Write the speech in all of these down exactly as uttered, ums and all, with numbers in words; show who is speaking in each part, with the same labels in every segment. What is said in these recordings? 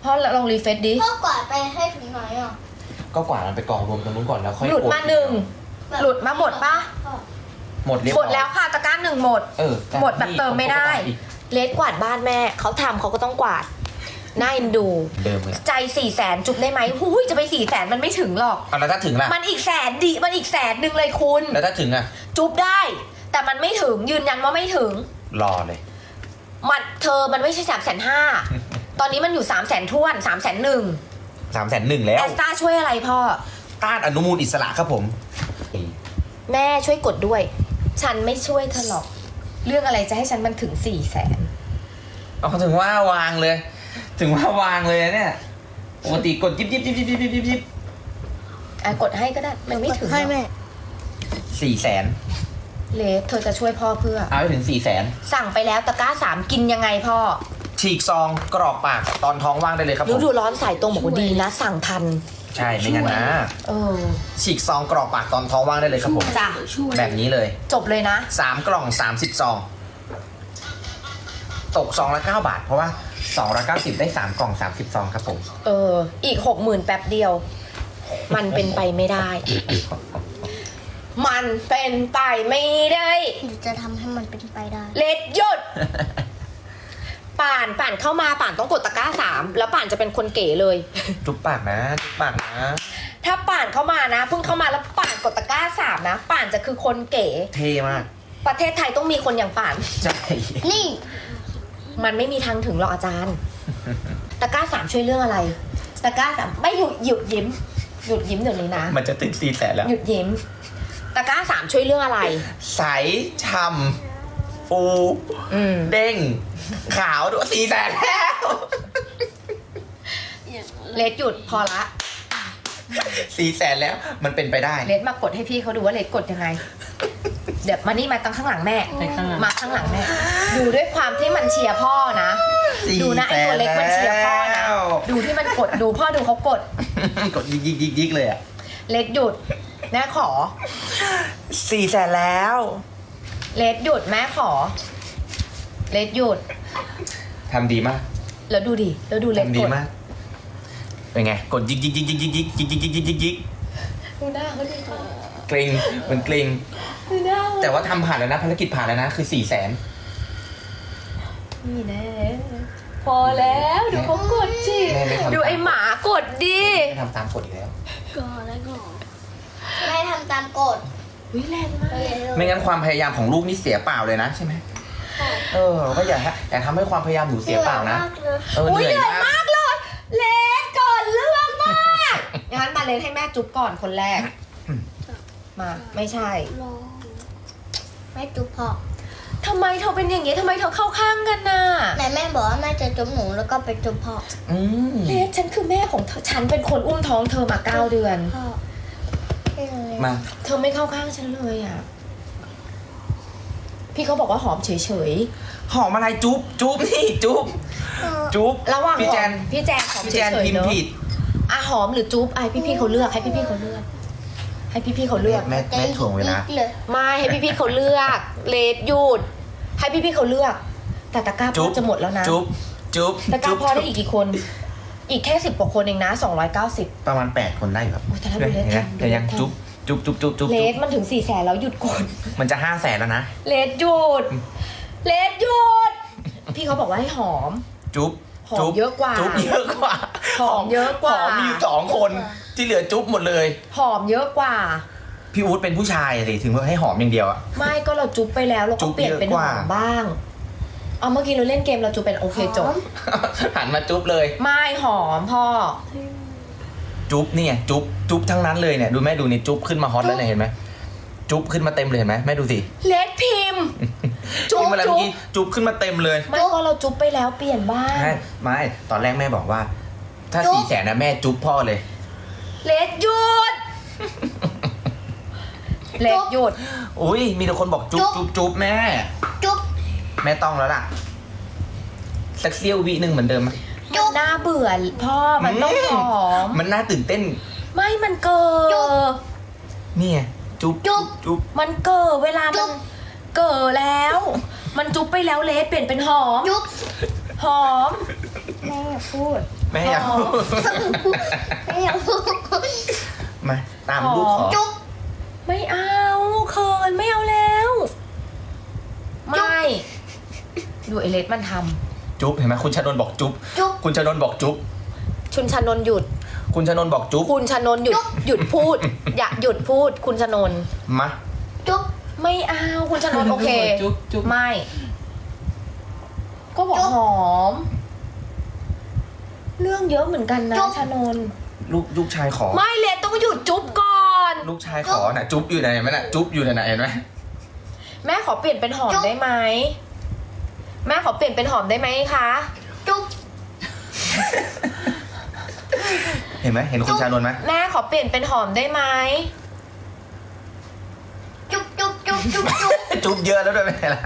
Speaker 1: พ่อลองรีเฟซดิ
Speaker 2: พ่อกวาดไปให้ถึงไหนอ่ะ
Speaker 3: ก็กวาดมันไปกองรวมตรงนู้นก่อนแล้วค่อย
Speaker 1: หลุดมาหนึ่งหลุดมาหมดปะ
Speaker 3: หมดเรียบ
Speaker 1: หม
Speaker 3: ร้
Speaker 1: ด
Speaker 3: อย
Speaker 1: แล้วค่ะตะกร้าหนึ่งหมด
Speaker 3: เออ
Speaker 1: หมดแบบเติมไม่ได้ เลสกวาดบ้านแม่เขาทำเขาก็ต้องกวาดน่าเอ็นดู
Speaker 3: เดิมเลย
Speaker 1: ใจสี่แสนจุบได้ไหมหูยจะไปสี่แสนมันไม่ถึงหรอก
Speaker 3: เอาแล้วถ้าถึงล่ะ
Speaker 1: มันอีกแสนดิมันอีกแสนหนึ่งเลยคุณ
Speaker 3: แล้วถ้าถึงอ่ะ
Speaker 1: จุบได้ แต่มันไม่ถึงยืนยันว่าไม่ถึง
Speaker 3: รอเลย
Speaker 1: มันเธอมันไม่ใช่สามแสนห้าตอนนี้มันอยู่สามแสนท้วนสามแสนหนึ่ง
Speaker 3: สามแสนหนึ่งแล้ว
Speaker 1: แอสตาช่วยอะไรพ่อ
Speaker 3: ต้านอนุมูลอิสระครับผม
Speaker 1: แม่ช่วยกดด้วย ฉันไม่ช่วยเธอหรอก เรื่องอะไรจะให้ฉันมันถึงสี่แสน
Speaker 3: เอาถึงว่าวางเลย ถึงว่าวางเลยเนี่ยปกติกดยิบยิบยิบยิบยิบยิบยิบยิบ
Speaker 1: อ่ะกดให้ก็ได้ มันไม่ถึงหร
Speaker 2: ให้
Speaker 1: อก
Speaker 2: แม่
Speaker 3: สี่แสน
Speaker 1: เลสเธอจะช่วยพ่อเพื่อ
Speaker 3: เอาไปถึงสี่แสน
Speaker 1: สั่งไปแล้วตะกร้าสามกินยังไงพ่อ
Speaker 3: ฉีกซองกรอกปากตอนท้องว่างได้เลยครับผ
Speaker 1: ฤ
Speaker 3: ม
Speaker 1: ดูร้อนสายตรงบอกว่าดีนะ สั่งทัน
Speaker 3: ใช่ไม่งั้นนะ
Speaker 1: เออ
Speaker 3: ฉีกซองกรอกปากตอนท้องว่างได้เลยครับผม
Speaker 1: จ้ะ
Speaker 3: แบบนี้เลย
Speaker 1: จบเลยนะ
Speaker 3: สามกล่องสามสิบซองตกซองละเก้าบาท เพราะว่าสองร้อยเก้าสิบได้สามกล่องสามสิบซองครับผม
Speaker 1: เออ อีกหกหมื่นแป๊บเดียว มันเป็นไปไม่ได้ มันเป็นไปไม่ได้
Speaker 2: เดี๋ยวจะทำให้มันเป็นไปได้
Speaker 1: เลดหยุด ป่านป่านเข้ามาป่านต้องกดตะกร้าสามแล้วป่านจะเป็นคนเก๋เลย
Speaker 3: จุ๊บปากนะจุ๊บปากนะ
Speaker 1: ถ้าป่านเข้ามานะเพิ่งเข้ามาแล้วป่านกดตะกร้าสามนะป่านจะคือคนเก๋
Speaker 3: เท่มาก
Speaker 1: ประเทศไทยต้องมีคนอย่างป่าน
Speaker 3: ใช่
Speaker 2: นี่
Speaker 1: มันไม่มีทางถึงหรอกอาจารย์ ตะกร้าสามช่วยเรื่องอะไร ตะกร้าสามไม่หยุดหยุดยิ้ม หยุดยิ้มเดี๋ยวนี้นะ
Speaker 3: มันจะถึงสี่แสนแล้ว
Speaker 1: หยุดยิ้ม ตะกร้าสามช่วยเรื่องอะไร
Speaker 3: ใสช่ำฟู
Speaker 1: อืม
Speaker 3: เด้ง ขาวด้วยสี่แสนแล้ว
Speaker 1: เลดหยุดพอละ
Speaker 3: สี่แสนแล้วมันเป็นไปได้
Speaker 1: เลดมากดให้พี่เขาดูว่าเลดกดยังไง เดี๋ยวมานี่มาตั้งข้างหลังแม่ มาข้างหลังแม่ ดูด้วยความที่มันเชียร์พ่อนะ
Speaker 3: สี่
Speaker 1: ดูนะไอ้ตัวเล็กมันเชียร์พ่อนะ
Speaker 3: แล้ว
Speaker 1: ดูที่มันกดดูพ่อดูเขากด
Speaker 3: กดยิกยิกยิกยิกเลยอ่ะ
Speaker 1: เลดหยุดแม่ขอ
Speaker 3: สี่แสนแล้ว
Speaker 1: เลดหยุดแม่ขอ เลดหยุด
Speaker 3: ทำดีมาก
Speaker 1: แล้วดูดิ แล้วดูเลด
Speaker 3: ทำดี
Speaker 1: กด
Speaker 3: มาก เป็นไง กดยิกยิกยิกยิกยิกยิกยิกยิกยิกยิกยิกยิก
Speaker 1: ดูหน้าเขาดิ
Speaker 3: เกรงมันเกรง
Speaker 1: ดูหน้า
Speaker 3: แต่ว่าทำผ่านแล้วนะภารกิจผ่านแล้วนะ คือสี่แสน
Speaker 1: นี่แน่พอแล้วดูเขากดสิ
Speaker 3: แม่ไม่ทำ
Speaker 1: ดูไอหมากดดิ
Speaker 3: ไม่ทำตามกฎอีกแล้ว
Speaker 2: ก่อนแล้วก่อนแม่ทำตามกฎ
Speaker 1: วิแรงมาก
Speaker 3: ไม่งั้นความพยายามของลูกนี่เสียเปล่าเลยนะใช่ไหมเออเราก็อย่าฮะอย่าทำให้ความพยายามหนูเสียเปล่านะเออ
Speaker 1: อุ้ย
Speaker 3: เห
Speaker 1: เห
Speaker 3: นื่
Speaker 1: นื่
Speaker 3: อ
Speaker 1: อย ย
Speaker 3: มาก
Speaker 1: มากเลย เลสก่อนเรื่องมากงั้นมาเลสให้แม่จุ๊บก่อนคนแรก มาไม่ใช่
Speaker 2: รอแม่จุ๊บพ่อ
Speaker 1: ทำไมเธอเป็นอย่างนี้ทำไมเธอเข้าข้างกันน่ะ
Speaker 2: ไหนแม่บอกว่าแม่จะจุ๊บหนูแล้วก็ไปจุ๊บพ่อ
Speaker 3: อืม
Speaker 1: เลสฉันคือแม่ของเธอฉันเป็นคนอุ้มท้องเธอมาเก้าเดือน
Speaker 2: พ่อให้หนูเลย
Speaker 3: มา
Speaker 1: เธอไม่เข้าข้างฉันเลยอ่ะ พี่เขาบอกว่าหอมเฉย
Speaker 3: หอมอะไรจุ๊บจุ๊บนี่จุ๊บจุ๊บ
Speaker 1: ๆระหว่าง
Speaker 3: พี่แจน
Speaker 1: หอมพี่แจนหอม
Speaker 3: พี่
Speaker 1: เฉ
Speaker 3: แจน
Speaker 1: ย
Speaker 3: พิ
Speaker 1: ๆ
Speaker 3: มพ์
Speaker 1: เนอะ
Speaker 3: ผิด
Speaker 1: อ่ะหอมหรือจุ๊บไอพี่พี่ๆเขาเลือกให้พี่พี่ๆเขาเลือก ให้พี่พี่ๆเขาเลือก
Speaker 3: แม่แม่ถ่วงเวลา
Speaker 2: เลย
Speaker 1: ไม่ให้พี่พี่ๆเขาเลือก เลดหยุด ให้พี่พี่ๆเขาเลือก แต่ตะกร้า
Speaker 3: จุ๊
Speaker 1: พ่อบ จะหมดแล้วนะ
Speaker 3: จุ๊บจุ๊บ
Speaker 1: ตะกร้า
Speaker 3: จุ๊บ
Speaker 1: พ่อได้อีกกี่คน อีกแค่สิบกว่าคนเองนะสองร้อยเก้าสิบ
Speaker 3: ประมาณแปดคนได้อยู่ครับ
Speaker 1: โอ้แต่ถ้าดูเลข
Speaker 3: เห็นไหม
Speaker 1: ทันดู
Speaker 3: แต่ยัง
Speaker 1: เลขทัน
Speaker 3: จุ๊บจุ๊บจุ๊บจุ๊บจุ๊บ
Speaker 1: เล
Speaker 3: จุ๊
Speaker 1: ด
Speaker 3: บ
Speaker 1: มันถึงสี่แสนแล้วหยุดกด
Speaker 3: มันจะห้าแสนแล้วนะ
Speaker 1: เลดหยุด เลดหยุด พี่เขาบอกว่าให้หอม
Speaker 3: จุ๊บ
Speaker 1: หอม
Speaker 3: จุ๊บ
Speaker 1: เยอะกว่า
Speaker 3: จุ๊บเยอะกว่า
Speaker 1: หอมเยอะกว่า
Speaker 3: หอมมีอยู่สองคนที่เหลือจุ๊บหมดเลย
Speaker 1: หอมเยอะกว่า
Speaker 3: พี่อู๊ดเป็นผู้ชายสิถึงว่าให้หอมอย่างเดียวอะ
Speaker 1: ไม่ก็เราจุ๊บไปแล้วเรา
Speaker 3: จุ๊
Speaker 1: ก็
Speaker 3: บ
Speaker 1: เปลี่ยนเป็น
Speaker 3: เยอะ
Speaker 1: ห
Speaker 3: กว่า
Speaker 1: อมบ้าง เอาเมื่อกี้เราเล่นเกมเราจุ๊บเป็นโอเคจบ
Speaker 3: หันมาจุ๊บเลย
Speaker 1: ไม่หอมพ่อ
Speaker 3: จุ๊บเนี่ยจุ๊บจุ๊บทั้งนั้นเลยเนี่ยดูแม่ดูนี่จุ๊บขึ้นมาฮอตแล้วเนี่ยเห็นไหมจุ๊บขึ้นมาเต็มเลยเห็นไหมแม่ดูสิ
Speaker 1: เลดพิมพ์ จุ๊บ
Speaker 3: ที่เมื่อ
Speaker 1: จุ๊บ
Speaker 3: กี้จุ๊บขึ้นมาเต็มเลย
Speaker 1: ไม่ก็เราจุ๊บไปแล้วเปลี่ยนบ้าง
Speaker 3: ไม่ไม่ตอนแรกแม่บอกว่า ถ้าสี่แสนนะแม่จุ๊บพ่อเลย
Speaker 1: เลดหยุด เลดหยุด
Speaker 3: อุ้ยมีแต่คนบอกจุ๊บจุ๊บจุ๊บแม่
Speaker 2: จุ๊บ
Speaker 3: แม่ต้องแล้วล่ะสักเสี้ยววิหนึ่งเหมือนเดิมไหม
Speaker 1: มันน่าเบื่อพ่อมันต้องหอม
Speaker 3: มันน่าตื่นเต้น
Speaker 1: ไม่มันเกิด
Speaker 3: นี่ไงจุ๊บจุ๊บจุ๊บ
Speaker 1: มันเกิดเวลามันเกิดแล้ว มันจุ๊บไปแล้วเลดเปลี่ยนเป็นหอม
Speaker 2: จุ๊บ
Speaker 1: หอมแม่อย่าพูด
Speaker 3: แม่อยากพูด
Speaker 2: ไม่อยากพูด
Speaker 3: มาตามลูกขอ
Speaker 2: จุ๊บ
Speaker 1: ไม่เอาเคินไม่เอาแล้ว ไม่ ดูไอเลสมันท
Speaker 3: จุ๊บเห็นไหมคุณชนนท์บอกจุ๊บ
Speaker 2: จุ๊บ
Speaker 3: คุณชนนท์บอกจุ๊บ
Speaker 1: ำชุนชนนท์หยุด
Speaker 3: คุณชนนท์บอกจุ๊บ
Speaker 1: คุณชนนท์หยุด หยุดพูด อย่าหยุดพูด คุณชนนท์
Speaker 3: มา
Speaker 2: จุ๊บ
Speaker 1: ไม่เอา คุณชนนท์โอเค
Speaker 4: จุ๊บจุ๊บ
Speaker 1: ไม่ ก็บอกหอม เรื่องเยอะเหมือนกันนะชนนท์
Speaker 3: ลูกลูกชายขอ
Speaker 1: ไม่เลสต้องหยุดจุ๊บก่อน
Speaker 3: ลูกชายขอน่ะจุ๊บอยู่ไหนไหมน่ะจุ๊บอยู่ไหนเห็นไหม
Speaker 1: แม่ขอเปลี่ยนเป็นหอมได้ไหม แม่ขอเปลี่ยนเป็นหอมได้ไหมคะ
Speaker 2: จุ๊บ
Speaker 3: เห็นไหมเห็นคุณชานนท์ไหม
Speaker 1: แม่ขอเปลี่ยนเป็นหอมได้ไหม
Speaker 2: จุ๊บจุ๊บจุ๊บจุ๊บจุ๊บ
Speaker 3: จุ๊บเยอะแล้วด้วยไม่ใช่ล่ะ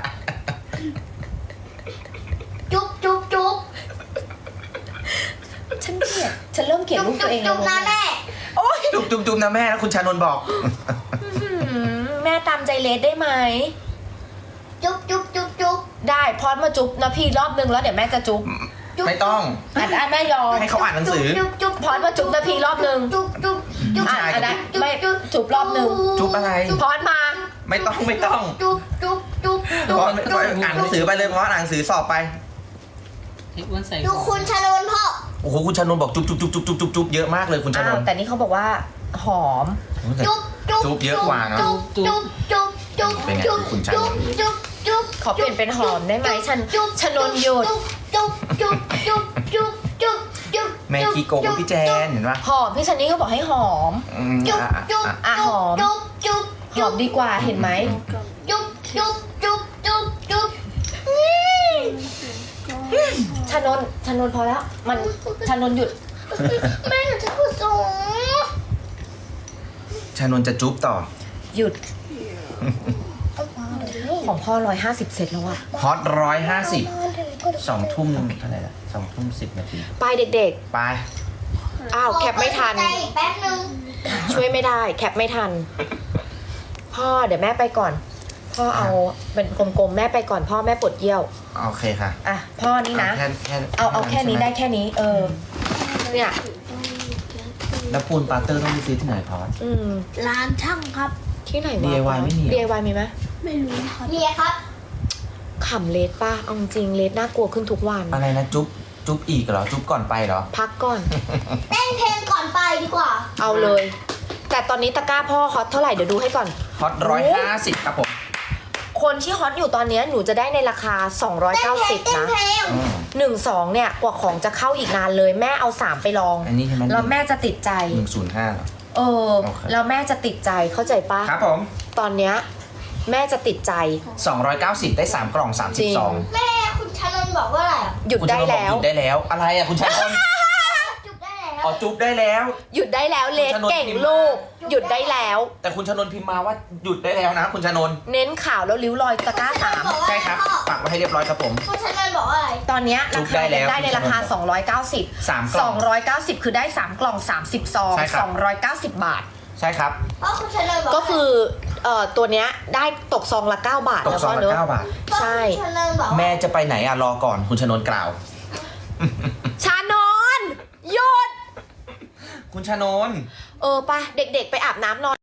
Speaker 2: จุ๊บจุ๊บจุ๊บ
Speaker 1: ฉันเกลียดฉันเริ่มเกลียด
Speaker 2: จุ๊บ
Speaker 1: ลูกตัวเอง
Speaker 2: จุ๊
Speaker 1: แล้
Speaker 2: บ
Speaker 1: ว
Speaker 2: นะแม่
Speaker 1: โอ๊ย
Speaker 3: จุ๊บจุ๊บจุ๊บนะแม่นะคุณชานนท์บอก
Speaker 1: อื้อหือแม่ตามใจเลสได้ไหม
Speaker 2: จุ๊บจุ๊บจุ๊บจุ๊บ
Speaker 1: ได้พอดมาจุ๊บนะพี่รอบนึงแล้วเดี๋ยวแม่จะจุ๊บ
Speaker 3: ไม่ต้อง
Speaker 1: อ่ะอ่ะแม่ยอม
Speaker 3: ให้เขาอ่านหนังสือ
Speaker 2: จุ๊บจุ๊บ
Speaker 1: พอดมาจุ๊บนะพี่รอบนึง
Speaker 2: จุ๊บจุ๊บจุ๊บ
Speaker 1: อ่ะอ่ะได้ไม่จุ๊บรอบนึง
Speaker 3: จุ๊บอะไร
Speaker 1: พอดมา
Speaker 3: ไม่ต้องไม่ต้อง
Speaker 2: จุ๊บจุ๊บจุ๊บ
Speaker 3: เพ
Speaker 2: จุ๊บ
Speaker 3: ราะเพราะอ่านหนังสือไปเลยเพราะอ่านหนังสือสอบไป
Speaker 4: ให้อ้วนใส่
Speaker 2: ดูคุณชนนท์พ่อ
Speaker 3: โอ้โหคุณชานนท์บอกจุ๊บจุ๊บจุ๊บจุ๊บจุ๊บจุ๊บจุ๊บเยอะมากเลยคุณชา
Speaker 1: อ้าน วน
Speaker 3: ท์
Speaker 1: แต่นี่เขาบอกว่าหอม
Speaker 2: จุ๊บจุ๊บ
Speaker 3: จุ๊บเยอะกว่าเนอะ
Speaker 2: จุ๊บจุ๊บจุ๊บจุ๊บ
Speaker 3: เป็นไง
Speaker 2: จุ๊บ
Speaker 3: คุณชานนท์
Speaker 2: จุ๊บจุ๊บ
Speaker 1: ขอเปลี่ยนเป็นหอมได้ไหมฉัน
Speaker 2: จุ๊บ
Speaker 1: ชนนหยุด
Speaker 2: จุ๊บจุ๊บจุ๊บจุ๊บจุ๊บจุ๊บ
Speaker 3: แม่ขี้โกงพี่แจนเห็นปะ
Speaker 1: หอมพี่ชันนี่ก็บอกให้หอม
Speaker 3: อืม
Speaker 2: จุ๊บ
Speaker 3: อ่ะ
Speaker 2: จุ๊บ
Speaker 3: อ่ะ
Speaker 1: อ่ะหอม
Speaker 2: จุ๊บจุ๊บ
Speaker 1: หอมดีกว่าเห็นไหม
Speaker 2: จุ๊บจุ๊บจุ๊บจุ๊บจุ๊บ
Speaker 1: ชนนชนนพอแล้ว มันชนนหยุด
Speaker 2: แม่หนูจะพูดสูง
Speaker 3: ชานนท์จะจุ๊บต่อ
Speaker 1: หยุด ของพ่อร้อยห้าสิบเซตแล้วอะ
Speaker 3: ฮอตร้อยห้าสิบสองทุ่มเท่าไหร่ละสองทุ่มสิบนาที
Speaker 1: ไปเด็ก
Speaker 3: ไป
Speaker 1: ๆ อ้าวแคปไม่ทัน
Speaker 2: ใจแป๊บนึง
Speaker 1: ช่วยไม่ได้ แคปไม่ทัน พ่อเดี๋ยวแม่ไปก่อน พ่อเอาเป็นกลมๆแม่ไปก่อนพ่อแม่ปวดเยี่ยว
Speaker 3: โอเคค่ะ
Speaker 1: อ่ะพ่อนี่นะ
Speaker 3: เอาแค่แค่
Speaker 1: เอาเอาแค่นี้ได้แค่นี้ เออ เนี่ย
Speaker 3: แล้วปูนปาเตอร์ต้องไปซื้อที่ไหนพอส
Speaker 1: อืม
Speaker 2: ร้านช่างครับ
Speaker 1: ที่ไหนวะ
Speaker 3: ดี ไอ วาย ไม่มีเหรอ
Speaker 1: ดี ไอ วาย มีไหม
Speaker 2: ไม่รู้ครับมีครับ
Speaker 1: ขำเลสป่ะเอาจริงเลสน่ากลัวขึ้นทุกวัน
Speaker 3: อะไรนะจุ๊บจุ๊บอีกเหรอจุ๊บก่อนไปเหรอ
Speaker 1: พักก่อน
Speaker 2: เต้นเพลงก่อนไปดีกว่า
Speaker 1: เอาเลย แต่ตอนนี้ตะกร้าพ่อฮอตเท่าไหร่เดี๋ยวดูให้ก่อน
Speaker 3: ฮอตร้อยห้าสิบครับผม
Speaker 1: คนที่ฮอตอยู่ตอนนี้หนูจะได้ในราคา สองร้อย
Speaker 2: เต้น
Speaker 1: เก้า
Speaker 2: เพล
Speaker 1: สิ
Speaker 2: ง
Speaker 1: บ
Speaker 2: เต้น
Speaker 1: นะ
Speaker 2: เพลง
Speaker 3: อืม
Speaker 1: หนึ่งสองเนี่ยกว่าของจะเข้าอีกนานเลย แม่เอาสามไปลอง
Speaker 3: อันนี้ใช่ไหม
Speaker 1: แล้วแม่จะติดใจ
Speaker 3: หนึ่งศูนย์ห้าเหรอ
Speaker 1: เออ
Speaker 3: โอเค
Speaker 1: แล้วแม่จะติดใจเข้าใจปะ
Speaker 3: ครับผม
Speaker 1: ตอนเนี้ยแม่จะติดใจ
Speaker 3: สองร้อยเก้าสิบได้สามกล่องสามสิบสอง
Speaker 2: แม่คุณชนนท์บอกว่าอะไรอ่ะ
Speaker 1: หยุดได้แล้ว
Speaker 3: หยุดได้แล้ว อะไรอ่ะคุณชานนท์
Speaker 2: จุดได้แล้ว
Speaker 3: อ๋อจุ๊บได้แล้ว
Speaker 1: หยุดได้แล้วเลส
Speaker 3: คุณชนนท์
Speaker 1: เก่ง
Speaker 3: พิมพ์มา
Speaker 1: ลูก หยุดได้แล้ว
Speaker 3: แต่คุณชานนท์พิมพ์มาว่าหยุดได้แล้วนะ คุณชานนท์
Speaker 1: เน้นข่าวแล้วริ้วรอยตะกร้าสาม
Speaker 2: บอกว่า
Speaker 3: ใช่ครับปักไว้ให้เรียบร้อยครับผม
Speaker 2: คุณชนนท์บอกว่าอะไร
Speaker 1: ตอนเนี้ย
Speaker 3: จุ๊
Speaker 1: รา
Speaker 3: บได้
Speaker 1: คา
Speaker 3: แล้ว
Speaker 1: ได้ในราคา สองร้อยเก้าสิบ
Speaker 3: สามกล่อง
Speaker 1: สองร้อยเก้าสิบคือได้สามกล่องสามสิบซอง
Speaker 3: ใช่ครับ
Speaker 1: สองร้อยเก้าสิบบาท
Speaker 3: ใช่ครับ
Speaker 2: เพราะคุณชนนท์บอกว่า
Speaker 1: ก็คือเอ่อตัวเนี้ยได้ตกซองละเก้าบาท
Speaker 3: ตก
Speaker 1: แล้ว
Speaker 3: ซอ
Speaker 1: ก็
Speaker 3: งละ
Speaker 1: เนอะ
Speaker 3: เก้าบาท
Speaker 1: ใช่
Speaker 2: คุณชนนท์บอกว่า
Speaker 3: แม่จะไปไหนอ่ะรอก่อนคุณชานนท์กล่าว
Speaker 1: ชานอนหยุด
Speaker 3: คุณชานนท์
Speaker 1: เออไปะเด็กๆไปอาบน้ำนอน